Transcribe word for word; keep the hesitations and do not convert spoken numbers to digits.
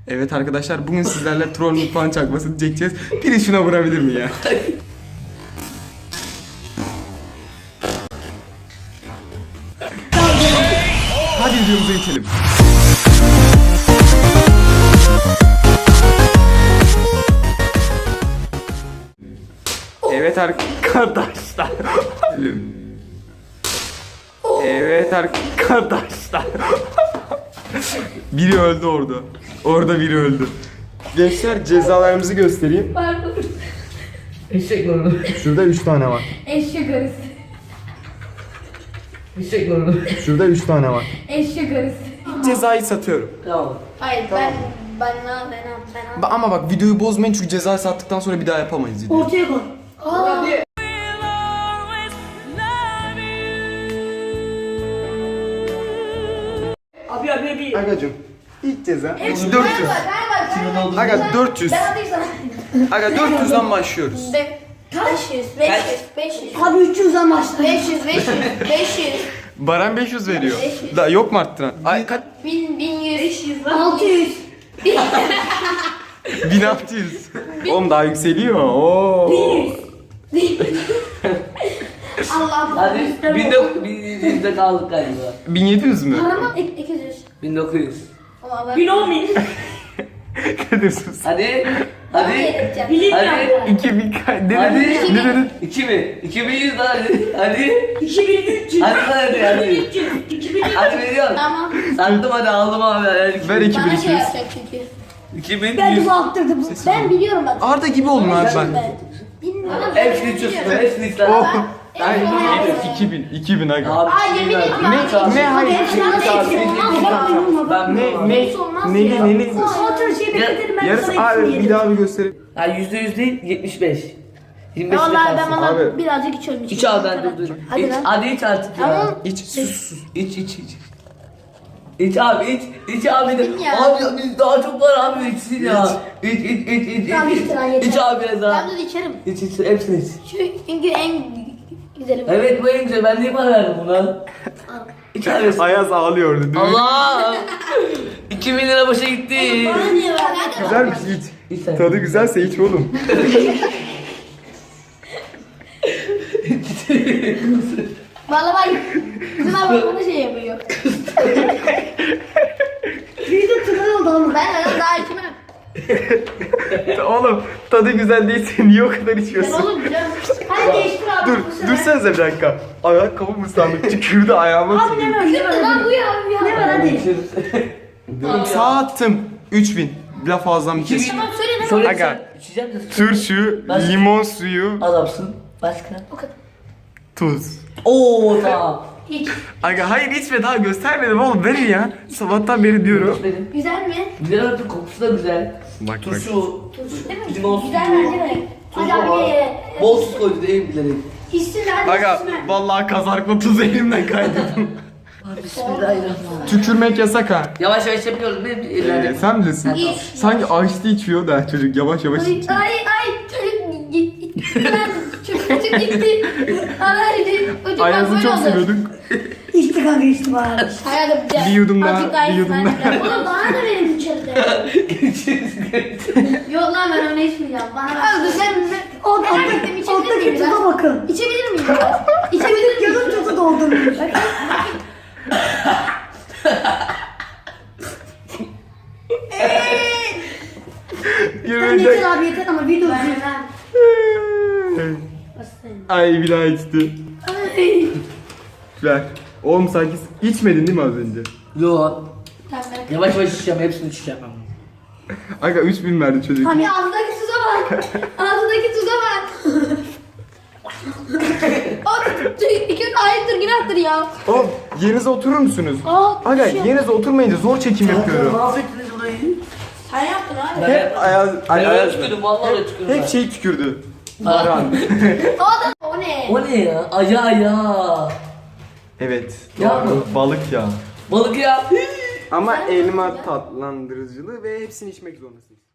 Evet arkadaşlar, bugün sizlerle troll mutfağın çakmasını çekeceğiz. Biri şuna vurabilir mi ya? Hadi videomuza geçelim. Evet arkadaşlar. Evet arkadaşlar. Biri öldü orada. Orada biri öldü. Gençler, cezalarımızı göstereyim. Pardon. Eşek lordu. Şurada üç tane var. Eşek arısı. Eşek lordu. Şurada üç tane var. Eşek arısı. Cezayı satıyorum. Tamam. Hayır Tamam. ben ben ben ben ben. Ba- Ama bak, videoyu bozmayın çünkü cezayı sattıktan sonra bir daha yapamayız videoyu. Ortaya koy. Aa. Abi abi abi. Agacım, ilk ceza Hepsi dört yüz. Ben bak. Aga dört yüz. Ben atayım sana. Aga dört yüzden başlıyoruz. Be- beş yüz, beş yüz, beş yüz. Abi üç yüzden başla. beş yüz, beş yüz, beş yüz. Baran beş yüz veriyor. beş yüz. Da yok mu arttıran? Ay kaç? bin, bin yüz. beş yüz. altı yüz. bin altı yüz. Oğlum daha yükseliyor. Oo. Allah. Hadi bin de bin yüzde kaldık galiba. bin yedi yüz mü? Paramı ek- iki yüz. bin dokuz yüz. Ama ben. Bin on bin. Kadir sus. Hadi. Hadi. Hadi. Bin Hadi. iki bin ka- ne Hadi. dedin? Ne dedin? iki bin. iki bin yüz daha hadi. Hadi. iki bin üç yüz. Hadi hadi hadi. üç yüz. iki bin üç yüz. Hadi veriyorum. Tamam. Sattım hadi aldım abi. Hadi. Ver iki bin Bana iki şey yüz. yapacak çünkü. iki bin Ben yüz. de baktırdım. Ben biliyorum bak. Arda gibi oldun abi ben. Bilmiyorum. Hepsini içiyorsun. Hepsini içler. Oh. Ben- Ay, Ben- iki bin, iki bin aga. Abi. Ay, yemin ederim. Ne, ne, hayır. Ben Ne, ne, ne, ne, ne, ne? Otur şey bekletelim ben Yarısı sana abi, hepsini bir yedim. daha bir göstereyim. Ha yüzde yüz değil yetmiş beş. yirmi beş Vallahi ben kalsın. Abi. bana birazcık içiyorum. İç abi ben dur dur. Hadi İç, lan. hadi iç artık ya. Tamam. İç, sus, sus. İç iç iç. İç abi iç. İç abi de. İçtim ya. Abi biz daha çok var abi içsin ya. İç iç iç iç. Tamam, iç. içtim lan, yeter. İç abi biraz daha. Ben de içerim. İç iç hepsini iç. Şu çünkü en güzeli bu. Evet bu en güzel. Ben niye para verdim buna? İç abi. Ayaz ağlıyordu değil mi? Allah! iki bin lira boşa gitti. Bana niye verdin? Güzelmiş, iç. İç sen. Tadı güzelse iç oğlum. Valla bak. Bizim abi bana şey yapıyor. Bir de tıkan oldu ama. Ben öyle daha içmem. Oğlum, tadı güzel değilse niye o kadar Ben içiyorsun? oğlum canım. Hadi değiştir abi. Dur, bu sefer. dursanıza bir dakika. Ayakkabım ıslandı, tükürdü ayağıma. Abi ne var ne var Lan bu hadi. ya bu ya. Ne var hadi. Sattım. üç bin. Laf ağızdan bir kes. Tamam söyle ne var? Söyle Aga. sen. İçecek misin? Turşu, Başka? limon suyu, Adamsın. Başka? O kadar. tuz. Oo tamam. Hiç. Aga hayır, içme, daha göstermedim oğlum, verin ya. Sabahtan beri diyorum. Benim. Güzel mi? Güzel artık kokusu da güzel. Bak bak. Turşu. Değil mi? Limon Güzel suyu. bence de. Tuzu Hadi var. abi ye. Bol tuz koydu değil bilerek. İçsin hadi. Aga içsin. vallahi kazarkla tuzu elimden kaydırdım. Abi bismillahirrahmanirrahim. Tükürmek yasak ha. Yavaş yavaş yapıyoruz. Benim Ee, ellerim. sen bilirsin. İç. Sanki açtı içiyor da çocuk yavaş yavaş Ay içiyor. ay ay çocuk gitti. Çocuk çocuk gitti. Ay çocuk Ayaz'ı çok oldu. seviyorduk. İçti kanka içti bari. Hayal Bir yudum daha, Azıcık daha bir yudum içsen daha. de. Oğlum bana da verin içeride. Yok lan ben öyle içmeyeceğim. Bana ver. Abi sen O Merak ettim, içebilir Alttaki miyim tuza ben? bakın. İçebilir miyim? ya? İçebilir miyim? Yarım tuzu doldurmuş. Sen Yürüyecek. yeter abi yeter ama video Ben izliyor. ben. Ay bir daha içti. Ay. Ver. Oğlum sanki içmedin değil mi az önce? Yo. Tamam ben. Yavaş yavaş içeceğim. Hepsini içeceğim. Aga üç bin verdi çocuk. Abi ağzındaki tuza bak. Ağzındaki tuza bak. O iki ayıptır günahtır ya. Oğlum yerinize oturur musunuz? Aa, Aga düşüyor. yerinize oturmayınca zor çekim yapıyorum. Mahvettiniz burayı. Sen yaptın abi. Ben Hep Ayaz, Ben Ay, öyle Ayaz. tükürdüm. Vallahi öyle tükürdüm. Hep şey tükürdü. ben. Baran. O da o ne? O ne ya? Aya ya. Evet. Ya doğru. Balık ya. Balık ya. Ama elma tatlandırıcılığı ve hepsini içmek zorundasınız.